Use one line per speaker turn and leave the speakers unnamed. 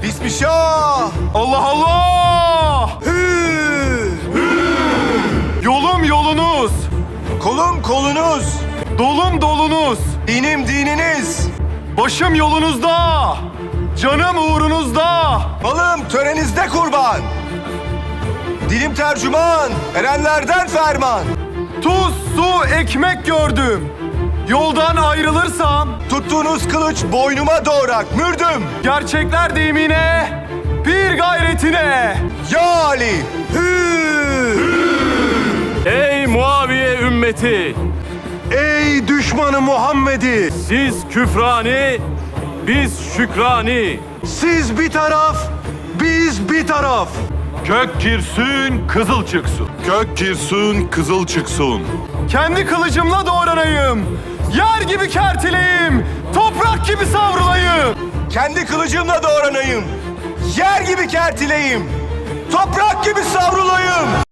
Bismillah.
Allah Allah! Yolum yolunuz,
Kolum kolunuz.
dolum dolunuz,
Dinim dininiz.
başım yolunuzda, canım uğrunuzda.
Malım törenizde kurban. Dilim tercüman. Erenlerden ferman.
Tuz, su, ekmek gördüm. Yoldan ayrılırsam
Tuttuğunuz kılıç boynuma doğrak. Mürdüm.
gerçekler deyimine, bir gayretine.
Ya Ali.
Ey Muaviye ümmeti!
Ey düşmanı Muhammed'i.
Siz küfrani, biz şükrani.
Siz bir taraf, biz bir taraf.
Gök girsün, kızıl çıksın.
Gök girsin, kızıl çıksın.
Kendi kılıcımla doğranayım. Yer gibi kertileyim, toprak gibi savrulayım.
Kendi kılıcımla doğranayım. Yer gibi kertileyim. Toprak gibi savrulayım.